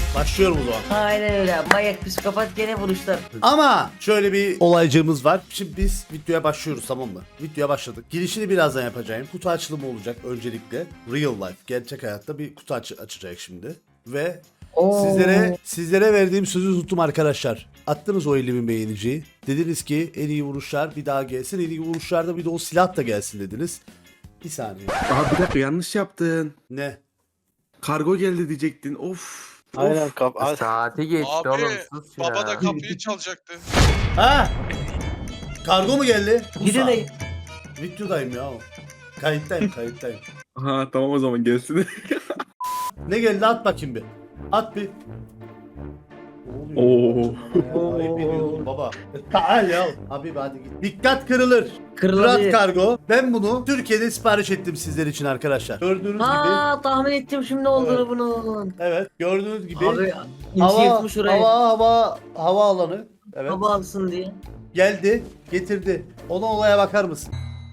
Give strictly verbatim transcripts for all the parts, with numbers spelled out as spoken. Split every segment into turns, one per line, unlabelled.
Başlıyorum o zaman.
Aynen öyle. Manyak psikopat gene vuruşlar.
Ama şöyle bir olaycığımız var. Şimdi biz videoya başlıyoruz, tamam mı? Videoya başladık. Girişini birazdan yapacağım. Kutu açılımı olacak öncelikle. Real life, gerçek hayatta bir kutu aç açacak şimdi. Ve
Oo.
sizlere sizlere verdiğim sözü tuttum arkadaşlar. Attınız o elli bin beğeniciyi. Dediniz ki en iyi vuruşlar bir daha gelsin. En iyi vuruşlarda bir de o silah da gelsin dediniz. Bir saniye.
Abi bir dakika, yanlış yaptın.
Ne?
Kargo geldi diyecektin. Of.
Aynen
Of.
kap. Ay,
Saati geçti
Abi
oğlum, sus ya.
baba da kapıyı çalacaktı.
Ha? Kargo mu geldi?
Gidin de.
Videodayım ya. Kayıttayım, kayıttayım.
Ha tamam, o zaman gelsin.
Ne geldi, at bakayım bir. At bir. Ne oluyor?
Oo.
Ayıp ediyorsun baba. Taal ya. Abi hadi git. Dikkat kırılır. Murat
Kırılabilir.
Kargo. Ben bunu Türkiye'de sipariş ettim sizler için arkadaşlar. Gördüğünüz gibi.
Ha tahmin ettim şimdi olduğunu
Evet.
bunun.
Evet, gördüğünüz gibi.
Abi
hava,
insi yırtmış orayı.
hava, hava, hava alanı. Evet.
Hava alsın diye.
Geldi, getirdi. Ona olaya bakar mısın?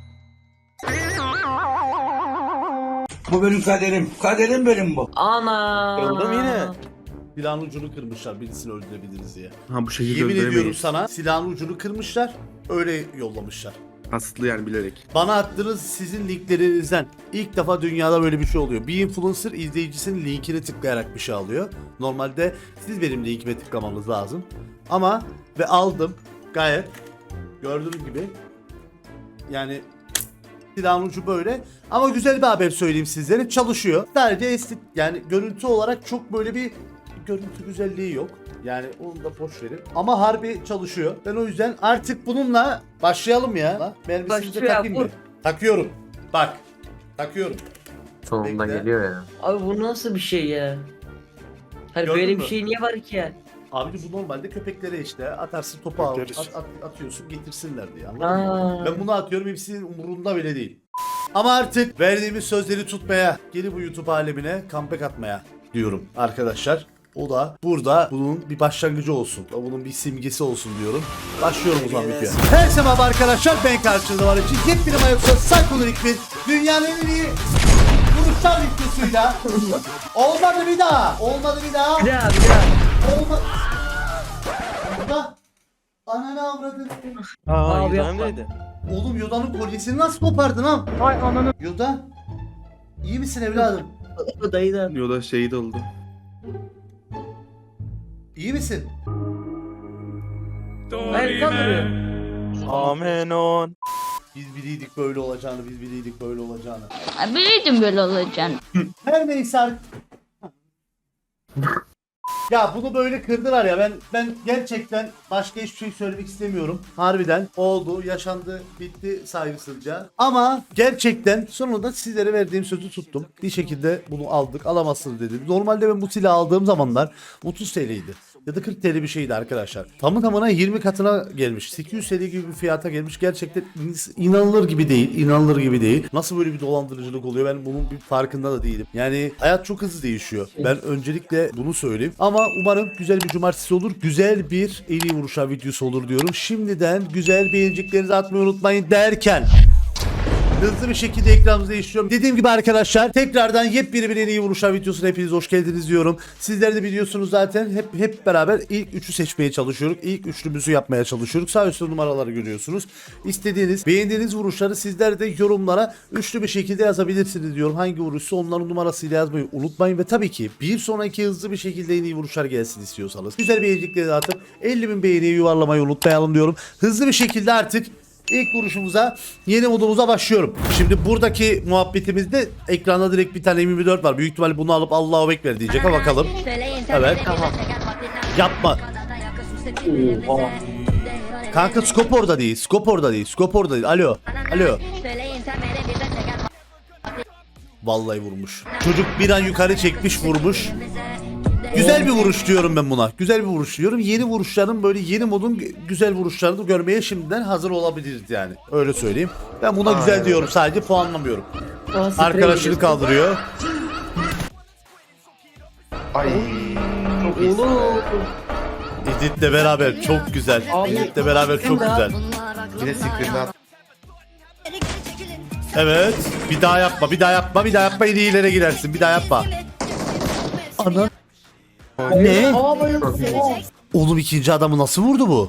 Bu benim kaderim. Kaderim benim bu.
Ana.
Kırıldım yine.
Silahın ucunu kırmışlar birisini öldürebiliriz diye.
Ha bu şekilde
Yemin ediyorum
öldüremeyiz.
sana, silahın ucunu kırmışlar, öyle yollamışlar.
Kasıtlı yani, bilerek.
Bana attığınız sizin linklerinizden ilk defa dünyada böyle bir şey oluyor. Bir influencer izleyicisinin linkine tıklayarak bir şey alıyor. Normalde siz benim linkime tıklamanız lazım. Ama ve aldım gayet gördüğünüz gibi. Yani silahın ucu böyle. Ama güzel bir haber söyleyeyim sizlere, çalışıyor. Sadece estetik, yani görüntü olarak çok böyle bir görüntü güzelliği yok. Yani onu da boş verin. Ama harbi çalışıyor. Ben o yüzden artık bununla başlayalım ya. Mermisini de
Başlıyor,
takayım
vur.
mı? Takıyorum. Bak. Takıyorum.
Sonunda
Bekle.
geliyor ya.
Abi bu nasıl bir şey ya? Hani
Gördün
böyle
mü?
bir şey niye var ki ya?
Abi bu normalde köpeklere işte atarsın, topu al,
Bekleriz.
at, at- atıyorsun getirsinler diye, anladın mı?
Aa.
Ben bunu atıyorum, hepsinin umurunda bile değil. Ama artık verdiğimiz sözleri tutmaya, geri bu YouTube alemine comeback atmaya diyorum arkadaşlar. O da burada bunun bir başlangıcı olsun. Bunun bir simgesi olsun diyorum. Başlıyorum o zaman videoya. Herkese merhaba arkadaşlar, ben karşınızda var için yepyeni Mayoksa Psycholik bir dünyanın en iyi vuruşlar videosuyla. Olmadı bir daha. Olmadı bir daha.
Bir daha bir daha.
Olmadı. Burada. Ananı avradın.
Aa,
Abi
Yunan'ım
yapma.
neydi?
Oğlum Yoda'nın kolyesini nasıl kopardın lan?
Ay ananı.
Yoda. İyi misin evladım?
Dayı da.
Yoda şehit oldu.
İyi misin?
Hayır kaldırıyor.
Amen on.
Biz biliydik böyle olacağını, biz biliydik böyle olacağını.
Biliyordum böyle olacağını.
Her neyse artık. Ya bunu böyle kırdılar ya, ben ben gerçekten başka hiçbir şey söylemek istemiyorum. Harbiden oldu, yaşandı, bitti saygısızca. Ama gerçekten sonunda sizlere verdiğim sözü tuttum. Bir şekilde bunu aldık, alamazsınız dedim. Normalde ben bu silahı aldığım zamanlar otuz T L'ydi. Ya da kırk T L bir şeydi arkadaşlar. Tamı tamına yirmi katına gelmiş. sekiz yüz T L gibi bir fiyata gelmiş. Gerçekten inanılır gibi değil. İnanılır gibi değil. Nasıl böyle bir dolandırıcılık oluyor? Ben bunun bir farkında da değilim. Yani hayat çok hızlı değişiyor. Ben öncelikle bunu söyleyeyim. Ama umarım güzel bir cumartesi olur. Güzel bir en iyi vuruşlar videosu olur diyorum. Şimdiden güzel beğeniciklerinizi atmayı unutmayın derken hızlı bir şekilde ekranımızı değiştiriyorum. Dediğim gibi arkadaşlar, tekrardan yepyeni bir en iyi vuruşlar videosuna hepiniz hoş geldiniz diyorum. Sizler de biliyorsunuz zaten, hep hep beraber ilk üçü seçmeye çalışıyoruz. İlk üçlümüzü yapmaya çalışıyoruz. Sağ üstte numaraları görüyorsunuz. İstediğiniz, beğendiğiniz vuruşları sizler de yorumlara üçlü bir şekilde yazabilirsiniz diyorum. Hangi vuruşsa onların numarasıyla yazmayı unutmayın ve tabii ki bir sonraki hızlı bir şekilde en iyi vuruşlar gelsin istiyorsanız güzel beğenicikleri atıp elli bin beğeniyi yuvarlamayı unutmayalım diyorum. Hızlı bir şekilde artık İlk vuruşumuza, yeni modumuza başlıyorum. Şimdi buradaki muhabbetimizde ekranda direkt bir tane M yirmi dört var. Büyük ihtimalle bunu alıp Allahu Ekber diyecek, ha bakalım. Evet.
Tamam.
Yapma.
Oha.
Kanka skop orada değil. Skop orada değil. Skop orada değil. Alo. Alo. Vallahi vurmuş. Çocuk bir an yukarı çekmiş, vurmuş. Güzel bir vuruş diyorum ben buna. Güzel bir vuruş diyorum. Yeni vuruşların, böyle yeni modun güzel vuruşlarını görmeye şimdiden hazır olabiliriz yani. Öyle söyleyeyim. Ben buna güzel diyorum, sadece puanlamıyorum.
Aa, sprey
Arkadaşını
gidiyor.
kaldırıyor.
Oğlum.
Edit'le beraber çok güzel. Edit'le beraber çok güzel.
Yine screen'de
Evet. Bir daha yapma, bir daha yapma, bir daha yapma. En iyilere girersin. Bir daha yapma. Ana. Ne?
Aa böyle
Oğlum ikinci adamı nasıl vurdu bu?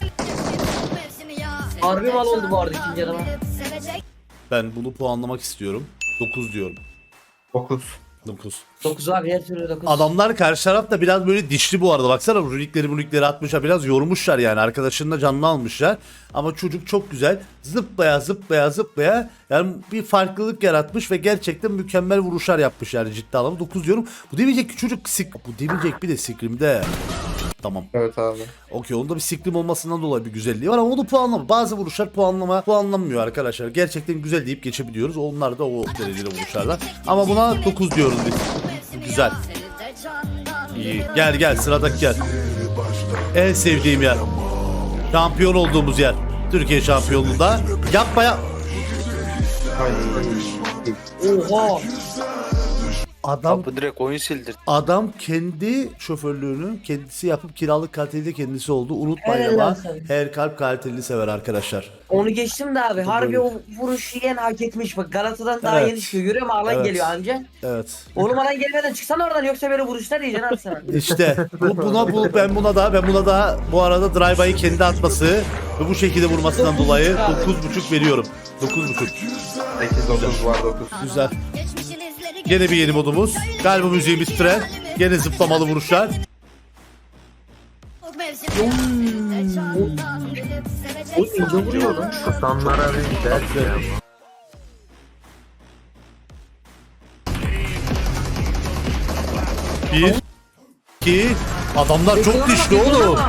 harbi mal oldu bu arada ikinci adama.
Ben bunu puanlamak istiyorum. dokuz diyorum.
dokuz.
dokuz.
dokuz abi her türlü dokuz.
Adamlar karşı taraf da biraz böyle dişli bu arada. Baksana runikleri runikleri atmışlar. Biraz yormuşlar yani. Arkadaşının da canını almışlar. Ama çocuk çok güzel. Zıplaya zıplaya zıplaya. Yani bir farklılık yaratmış ve gerçekten mükemmel vuruşlar yapmış yani ciddi anlamda. dokuz diyorum. Bu demeyecek ki çocuk sik... Bu demeyecek bir de sikrimde. Tamam.
Evet abi.
Okey, onda bir sikrim olmasından dolayı bir güzelliği var ama onu puanlama. Bazı vuruşlar puanlama puanlanmıyor arkadaşlar. Gerçekten güzel deyip geçebiliyoruz. Onlar da o derecede vuruşlarla. Ama buna dokuz diyoruz biz. Güzel. İyi. Gel gel sıradaki gel. En sevdiğim yer. Şampiyon olduğumuz yer. Türkiye şampiyonluğunda. Yapma ya.
Oha.
Adam
Abi direkt oyun sildir.
Adam kendi şoförlüğünü kendisi yapıp kiralık kaliteli kendisi oldu. Unutmayın
Helal
ama
olsun.
her kalp kaliteli sever arkadaşlar.
Onu geçtim de abi. Harbi o vuruşu yiyen hak etmiş. Bak Galata'dan daha
Evet.
yeni çıkıyor. Görüyor musun? Alan
Evet.
geliyor anca.
Evet.
Oğlum alan gelmeden çıksana oradan yoksa böyle vuruşlar yiyeceksin abi sana.
İşte bu buna bu ben buna da ben buna da bu arada drive'ı kendi atması ve bu şekilde vurmasından dolayı dokuz buçuk veriyorum. dokuz buçuk.
sekiz dokuz var dokuz.
Güzel. Gene bir yeni modumuz. Galiba müziğimiz tren. Gene zıplamalı vuruşlar.
O ince vuruyor lan.
Tutanlara bir ders ya.
Bir, iki. Adamlar çok dişli oğlum.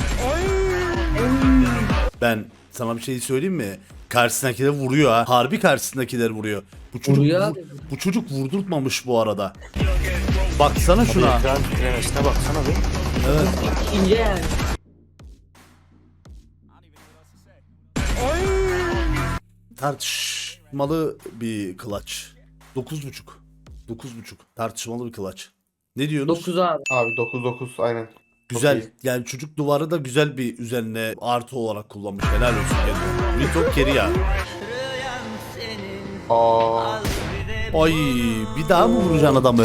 Ben sana bir şey söyleyeyim mi? Karşısındakiler vuruyor ha. Harbi karşısındakiler vuruyor. Bu çocuk
Vuruyor
vur-
abi.
bu çocuk vurdurtmamış bu arada. Baksana şuna.
Ekran titremesine baksana bir.
Evet.
İnce yani.
Tartışmalı bir kılaç. Dokuz buçuk. Dokuz buçuk. Tartışmalı bir kılaç. Ne diyorsunuz?
dokuz abi.
Abi dokuz dokuz aynen.
Güzel.
Çok iyi.
Yani çocuk duvarı da güzel bir üzerine artı olarak kullanmış. Helal olsun kendine. Ritok keri ya.
Aa.
Ay bir daha mı vuracaksın adamı?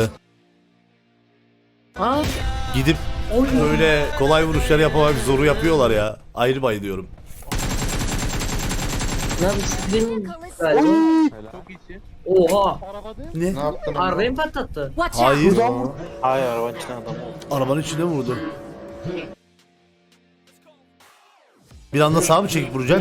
Ha?
Gidip böyle kolay vuruşlar yapamak zoru yapıyorlar ya. Ayrı bayılıyorum.
Ne abi sizin galiba. Oha.
Ne?
Ne yaptın?
Arabayı mı patlattı?
Hayır.
Hayır arabanın içine adam.
Arabanın içine vurdu. Bir anda sağa mı çekip vuracak?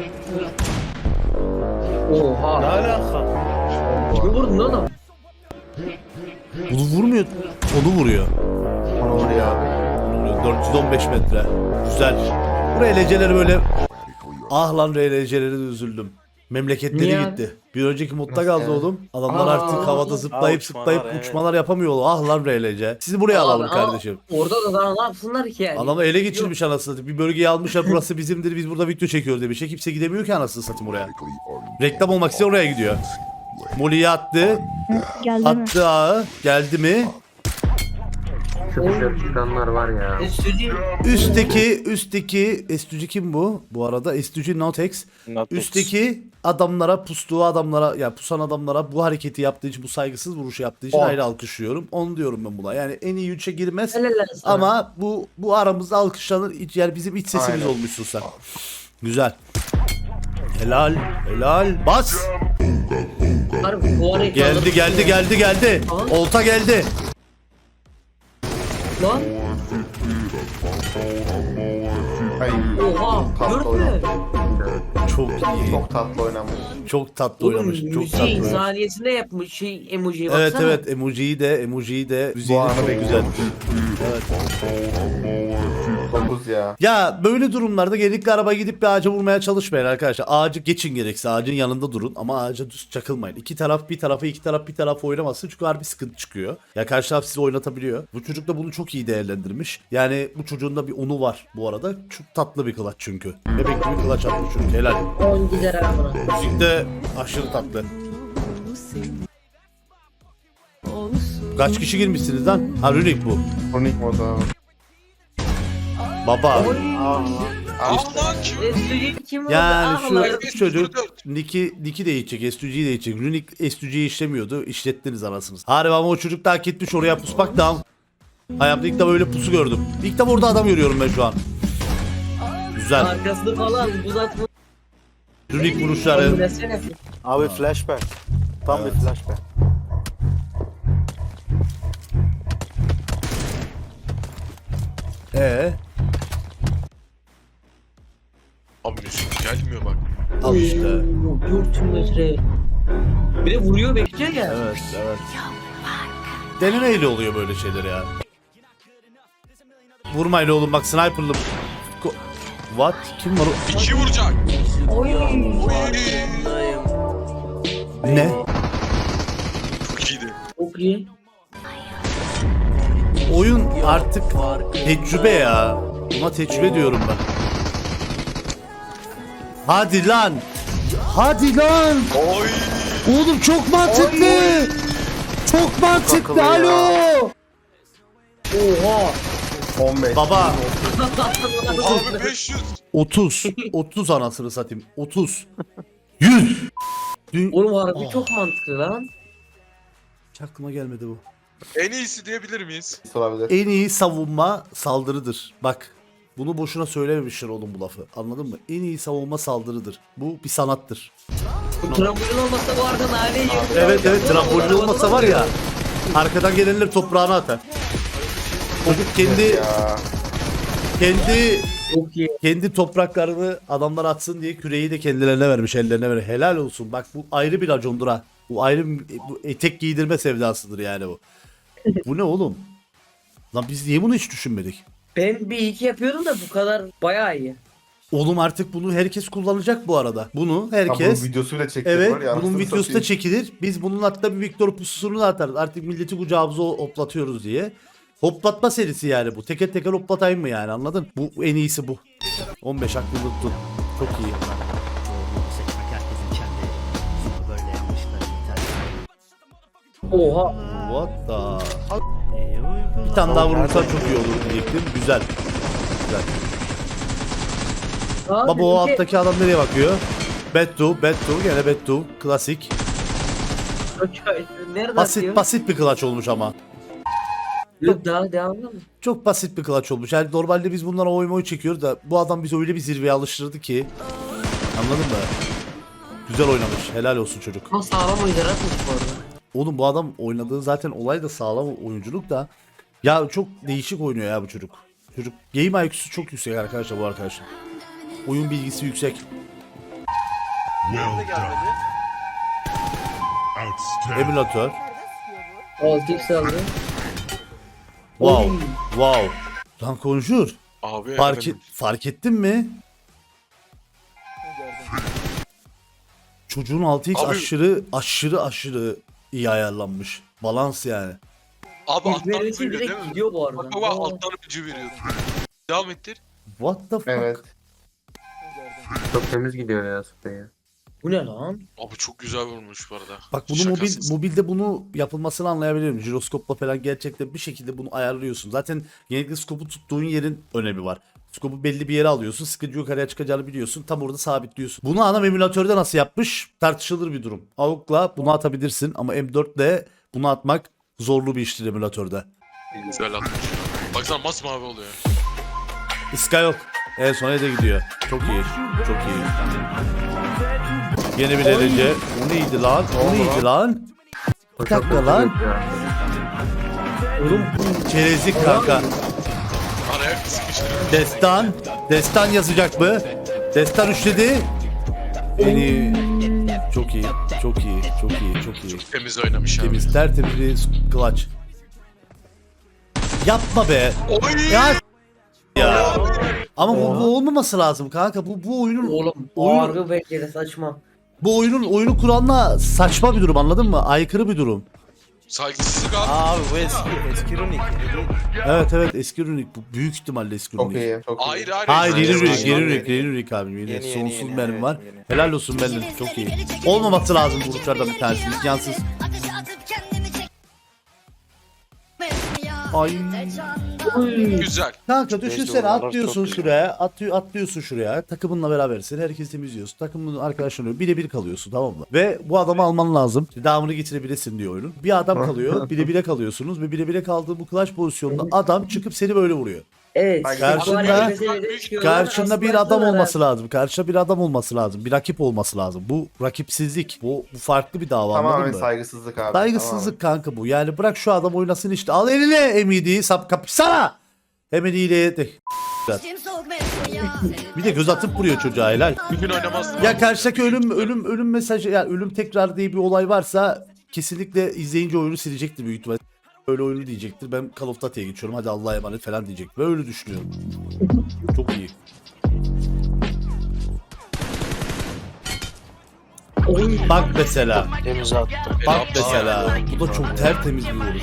Oha.
Ne alaka?
Kimi vurdun oğlum?
Bunu vurmuyor. Onu vuruyor.
Onu vuruyor abi.
Onu vuruyor. dört yüz on beş metre. Güzel. Bu R L C'leri böyle... Ah lan R L C'leri de üzüldüm. Memleketleri
Niye
gitti. Bir önceki modda
Nasıl
kaldı
yani?
oğlum. Adamlar
Aa.
artık havada zıplayıp
Aa,
zıplayıp
uçmalar, evet.
uçmalar yapamıyorlar. Ah lan R L C. Sizi buraya alalım
Abi, ama
kardeşim.
Orada da daha ne yapsınlar ki yani?
Adamı ele geçirmiş anasını satayım. Bir bölgeyi almışlar, burası bizimdir, biz burada video çekiyoruz demiş. Kimse gidemiyor ki anasını satayım oraya. Reklam olmak için oraya gidiyor. Molly'yi attı.
Geldi mi?
Attı ağı. Geldi mi?
Şu dışarı çıkanlar var ya.
Estüdyo.
Üstteki, üstteki Estücü kim bu? Bu arada Estücü Notex.
Notex.
Üstteki adamlara, pustuğu adamlara, ya pusan adamlara bu hareketi yaptığı için, bu saygısız vuruşu yaptığı için
Oh.
ayrı alkışlıyorum. Onu diyorum ben buna. Yani en iyi üçe girmez.
Helal olsun.
Ama bu bu aramızda alkışlanır. İç- Yani bizim iç sesimiz
Aynen.
olmuşsun sen. Güzel. Helal, helal. Bas.
Harbi bu arayı
Geldi,
kaldırıp-
geldi, geldi, geldi.
Aa.
Olta geldi.
Lan.
Ay.
Oha.
Tatlı
Gördün mü?
oynamış.
Çok iyi.
Çok tatlı oynamış.
Çok tatlı
Oğlum
oynamış. Çok tatlı
müziği
oynamış.
saniyesinde yapmış şey emojiye baksana.
Evet evet emojiyi de emojiyi de müziği de
anı
çok
bekliyorum.
güzel. Evet.
dokuz ya.
Ya böyle durumlarda genellikle araba gidip bir ağaca vurmaya çalışmayın arkadaşlar. Ağacı geçin gerekse ağacın yanında durun ama ağaca düz çakılmayın. İki taraf bir tarafa iki taraf bir tarafa oynamasın çünkü harbi sıkıntı çıkıyor. Ya karşı taraf sizi oynatabiliyor. Bu çocuk da bunu çok iyi değerlendirmiş. Yani bu çocuğun da bir unu var bu arada. Çok tatlı bir kılaç çünkü. Bebek gibi kılaç atmış çocuk helal.
on gider abi buna.
Müzik de aşırı tatlı. Kaç kişi girmişsiniz lan? Ha Runik bu.
Kronik moda abi.
Baba.
Estüdyo kim vurdu?
Yani
Ah
şu,
lan.
şu çocuk Nick'i Nick'i de içecek, S two G'yi de içecek. Runik S two G'yi işlemiyordu. İşlettiniz anasınız. Harbi ama o çocuk da hak etmiş oraya pusmak da. Hayatımda ilk defa böyle pusu gördüm. İlk defa orada adam görüyorum ben şu an. Güzel.
Arkasını falan buz atma.
Runik vuruşları.
Oynasana.
Abi flashback. Tam
Evet.
bir flashback.
Ee,
Abi Mesut gelmiyor bak.
al işte.
dört metre. Bir de vuruyor bekliyor ya.
Evet, evet. Denemeyle oluyor böyle şeyler ya. Vurmayla oğlum bak sniper'lı. Ko- What? Kim var o?
İki vuracak.
Oy.
Ne?
Çok iyiydi.
Çok iyi.
Oyun artık tecrübe ya. Buna tecrübe diyorum ben. Hadi lan. Hadi lan.
Oy.
Oğlum çok mantıklı. Çok mantıklı. Alo.
Oha.
on beş.
Baba
Abi beş yüz.
otuz. otuz anasını satayım. otuz. yüz. Dün
Oğlum harbi
Oh.
çok mantıklı lan.
hiç aklıma gelmedi bu.
En iyisi diyebilir miyiz?
Olabilir.
En iyi savunma saldırıdır. Bak bunu boşuna söylememişler oğlum bu lafı. Anladın mı? En iyi savunma saldırıdır. Bu bir sanattır.
Bu trambolin olmasa bu arada naneyi yiyor.
Evet evet trambolin olmasa var ya arkadan gelenler toprağına atar. Çocuk kendi
Ya.
kendi
Çok iyi.
kendi topraklarını adamlar atsın diye küreği de kendilerine vermiş, ellerine vermiş. Helal olsun. Bak bu ayrı bir racondur ha. Bu ayrı bir- bu etek giydirme sevdasıdır yani bu. Bu ne oğlum? Lan biz niye bunu hiç düşünmedik?
Ben bir iki yapıyorum da bu kadar bayağı iyi.
Oğlum artık bunu herkes kullanacak bu arada. Bunu
Ha,
herkes
bunun videosuyla çektim
evet
var ya.
bunun
anasını
videosu da
satayım.
çekilir. Biz bunun hatta bir Victor pususunu da atarız. Artık milleti kucağımıza hoplatıyoruz diye. Hoplatma serisi yani bu. Teker teker hoplatayım mı yani anladın? Bu en iyisi bu. on beş aklında tutun. Çok iyi.
Oha.
What the? Bir tane daha vurursan çok iyi olur diyecektim. Güzel. Güzel.
Abi,
Baba o
iki-
alttaki adam nereye bakıyor? Bettu, Bettu gene Bettu. Klasik.
Nerede
Basit
atıyor?
basit bir clutch olmuş ama.
Yok daha devamlı mı?
Çok basit bir clutch olmuş. Yani normalde biz bunlara oy moy çekiyoruz da bu adam bizi öyle bir zirveye alıştırdı ki. Anladın mı? Güzel oynamış. Helal olsun çocuk.
Ama sağlam oyuncular atmış bu arada.
Oğlum bu adam oynadığı zaten olay da sağlam oyunculuk da. Ya çok değişik oynuyor ya bu çocuk. Çocuk game I Q'su çok yüksek arkadaşlar bu arkadaşın. Oyun bilgisi yüksek. Emülatör.
altı x aldı.
Wow.
Oy.
Wow. Lan konuşur.
Abi
Fark,
efendim.
et, fark ettin mi? Çocuğun altı x
Abi-
aşırı aşırı aşırı iyi ayarlanmış. Balans yani.
Abi alttan
İzlemesi
veriyor değil
direkt
mi?
gidiyor bu arada.
Bak baba
Aa.
alttan öpücü veriyor. Devam ettir.
What the fuck?
Evet. Çok temiz gidiyor ya sprey ya.
Bu ne lan?
Abi çok güzel vurmuş bu arada.
Bak bunu mobil,
Şakasız.
mobilde bunu yapılmasını anlayabiliyorum. Jiroskopla falan gerçekten bir şekilde bunu ayarlıyorsun. Zaten genellikle skopu tuttuğun yerin önemi var. Skopu belli bir yere alıyorsun. Sıkıcı yukarıya çıkacağını biliyorsun. Tam orada sabitliyorsun. Bunu anam emülatörde nasıl yapmış? Tartışılır bir durum. A U G'la bunu atabilirsin ama M dörtle bunu atmak zorlu bir iştir emülatörde.
Güzel atmış. Baksana masmavi oluyor.
Iska yok. En sona da gidiyor. Çok iyi. Çok iyi. Yeni bir derece. O neydi lan? O neydi lan?
O
Bir
çok
dakika
kötü
lan.
gözüküyor.
Oğlum
Çerezlik kanka.
Araya sıkıştırıyor.
Destan. Destan yazacak mı? Destan üçledi. Beni çok iyi. Çok iyi. Çok iyi. Çok iyi.
Çok temiz oynamış abi.
Temiz tertemiz bir clutch. Yapma be.
Oy!
Ya ya. Ama bu, bu olmaması lazım kanka. Bu bu oyunun
oğlum
oyun-
harbi bekleri saçma.
bu oyunun oyunu kuralına saçma bir durum anladın mı? Aykırı bir durum.
Saygısızlık abi.
Abi bu eski eski runik.
Evet evet eski runik bu büyük ihtimalle eski
Çok
runik.
iyi. Çok iyi.
Hayır hayır.
Hayır yeni
Hayır,
runik
hayır.
yeni
yeni,
runik yeni runik abi yeni,
Yeni, yeni,
sonsuz
yeni,
benim
evet,
var.
yeni.
Helal olsun benim çok iyi. Olmaması lazım bu uçlardan bir tanesi imkansız. Ay.
Güzel.
Kanka düşünsene
oralar
atlıyorsun
çok güzel.
şuraya, atıyor, atlıyorsun şuraya, takımınla berabersin, herkes temizliyorsun, takımın arkadaşlarına birebir kalıyorsun, tamam mı? Ve bu adamı alman lazım, devamını getirebilesin diyor oyunun. Bir adam kalıyor, birebire kalıyorsunuz ve birebire kaldığı bu clutch pozisyonunda adam çıkıp seni böyle vuruyor.
Evet.
Karşında-
Bu arada mesela diyorlar,
Karşında bir
aslında
adam
şunlar
olması lazım, karşında bir adam olması lazım, bir rakip olması lazım. Bu rakipsizlik, bu, bu farklı bir dava,
Tamamen
anladın mı?
saygısızlık abi.
Saygısızlık kanka bu. Yani bırak şu adam oynasın işte. Al eline M D'yi sap kapışsana. Hemen iyiliğe de. Bir de göz atıp vuruyor çocuğa, helal.
Bir gün oynamazdım.
Ya karşıdaki ölüm ölüm ölüm mesajı, yani ölüm tekrar diye bir olay varsa kesinlikle izleyince oyunu silecektir büyük ihtimalle. Öyle oyunu diyecektir. Ben Call of Duty'ye geçiyorum. Hadi Allah'a emanet falan diyecek. Ben öyle düşünüyorum. Çok iyi. Bak mesela.
Temiz attı.
Bak mesela. Bu da çok tertemiz bir vuruş.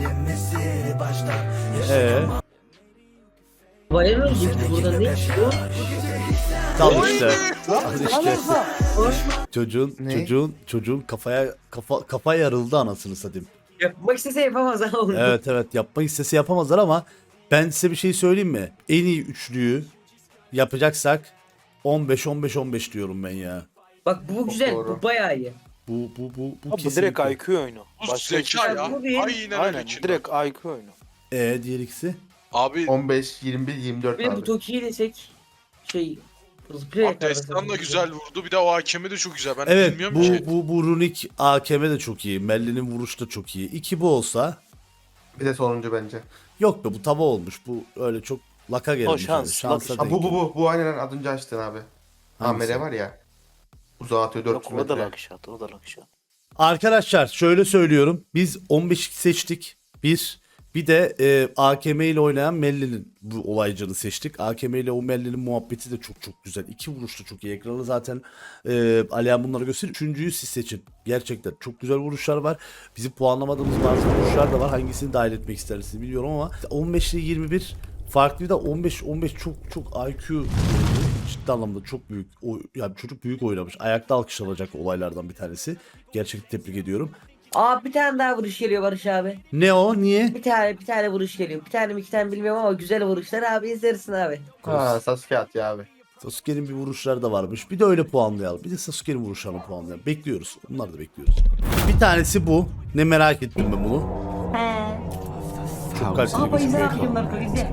Ee,
Bayram ölecekti burada ne çıkıyor?
Al işte. Al işte.
Hoş.
Çocuğun
Ne?
çocuğun çocuğun kafaya kafa kafa yarıldı anasını satayım.
Yapmak istese yapamaz ha onu.
Evet evet, yapmak istese yapamazlar ama ben size bir şey söyleyeyim mi? En iyi üçlüyü yapacaksak on beş on beş on beş diyorum ben ya.
Bak bu güzel,
doğru.
bu bayağı iyi.
Bu bu bu bu
Abi bu
kesinlikle.
direkt I Q oyunu.
Bu
Başka hiçbir
zeka
şey
ya.
Bu değil.
Aynen
Aynen
öyle.
direkt I Q oyunu.
E diğer ikisi.
Abi
on beş, yirmi bir, yirmi dört
Bir de bu
abi.
Toki'yi desek şey Play
Abdestan da güzel vurdu. Bir de o hakemi de çok güzel. Ben
Evet,
bilmiyorum
bu
ki.
bu bu runik A K M de çok iyi. Melli'nin vuruşu da çok iyi. İki bu olsa
Bir de sonuncu bence.
yok be, bu tava olmuş. Bu öyle çok laka gelmiş.
şans,
yani. Şansa
lak-
Ha, bu
denk
bu bu. Bu aynen az önce açtın abi.
Hangisi?
Amere var ya. Uzağa atıyor dört yüz
Yok o da
metre.
lakşat, o da lakşat.
Arkadaşlar şöyle söylüyorum. Biz on beş seçtik. Bir. Bir de e, A K M ile oynayan Melli'nin bu olaycını seçtik. A K M ile o Melli'nin muhabbeti de çok çok güzel. İki vuruş da çok iyi. Ekranı zaten e, Alihan bunları gösteriyor. Üçüncüyü siz seçin. Gerçekten çok güzel vuruşlar var. Bizim puanlamadığımız bazı vuruşlar da var. Hangisini dahil etmek istersiniz bilmiyorum ama on beş ile yirmi bir farklı da on beş on beş çok çok I Q ciddi anlamda çok büyük. O, yani çocuk büyük oynamış. Ayakta alkışlanacak olaylardan bir tanesi. Gerçekten tebrik ediyorum.
Aa bir tane daha vuruş geliyor Barış abi.
Ne o? Niye?
Bir tane bir tane vuruş geliyor. Bir tane mi iki tane bilmiyorum ama güzel vuruşlar abi izlersin abi.
Ha Sasuke at ya abi.
Sasuke'nin bir vuruşları da varmış. Bir de öyle puanlayalım. Bir de Sasuke'nin vuruşlarını puanlayalım. Bekliyoruz. Bunları da bekliyoruz. Bir tanesi bu. Ne merak ettim ben bunu.
He.
Çok kaliteli
Aa
gözüküyor.
izle bakayım Marco izle.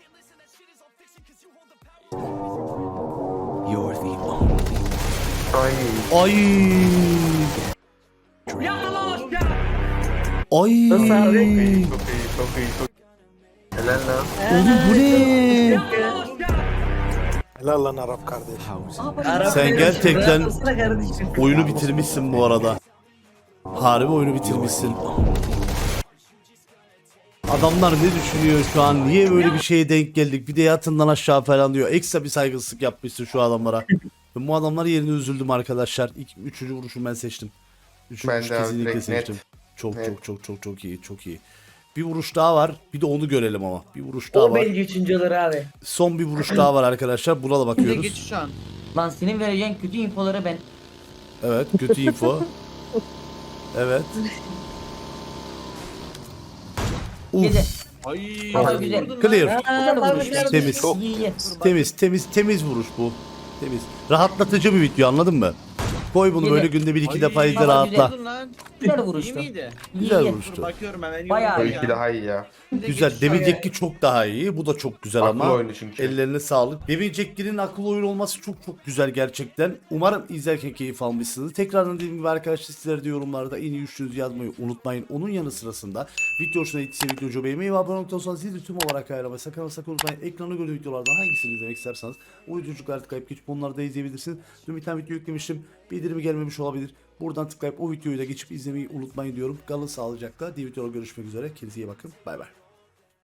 Ay.
Ay. Ay.
Nasıl abi?
Çok iyi çok iyi çok iyi. Helal lan.
Oğlum bu ne?
Helal lan Arap kardeş.
Arap
Sen
benim.
gerçekten-
Bırakmasana kardeşim.
Oyunu bitirmişsin bu arada. Harbi oyunu bitirmişsin. Adamlar ne düşünüyor şu an? Niye böyle bir şeye denk geldik? Bir de yatından aşağı falan diyor. Ekstra bir saygısızlık yapmışsın şu adamlara. Ben bu adamlar yerine üzüldüm arkadaşlar. İlk, üçüncü vuruşu ben seçtim. Üçüncü
Ben
vuruş
de abi,
kesinlikle
direkt
seçtim.
net.
Çok
Net.
çok çok çok çok iyi, çok iyi. Bir vuruş daha var. Bir de onu görelim ama. Bir vuruş daha
O
var.
bence üçüncü olur abi.
Son bir vuruş daha var arkadaşlar. Buna da bakıyoruz.
Lan senin vereceğin kötü infoları ben.
Evet, kötü info. Evet.
Gece.
Uf.
Ay.
Baba güzel.
Clear.
Güzel vuruş.
Temiz.
Çok iyi.
Temiz, temiz, temiz vuruş bu. Temiz. Rahatlatıcı bir video, anladın mı? Koy bunu
Yine.
böyle günde bir iki defa izle,
Baba
rahatla.
Güzel vuruştu. İyi,
Güzel
iyi.
vuruştu.
Bayağı
Bu
iyi.
iki daha iyi ya.
Güzel. Devil Jack'i çok daha iyi. Bu da çok güzel
Aklı
ama.
oyunu çünkü.
Ellerine sağlık. Devil Jack'in akıllı oyun olması çok çok güzel gerçekten. Umarım izlerken keyif almışsınız. Tekrardan dediğim gibi arkadaşlar, sizler de yorumlarda en iyi üçlünüzü yazmayı unutmayın. Onun yanı sırasında video hoşuna gittiyse videoyu beğenmeyi ve abone olduktan sonra zil tüm olarak ayarlamayı sakın ama sakın unutmayın. Ekranda gördüğüm videolardan hangisini izlemek isterseniz o videocukları tıklayıp geçip onları da izleyebilirsiniz. Dün bir tane video yüklemiştim. Bildirimi gelmemiş olabilir. Buradan tıklayıp o videoyu da geçip izlemeyi unutmayın diyorum. Kalın sağlıcakla. Diğer videoda görüşmek üzere. Kendinize iyi bakın. Bay bay.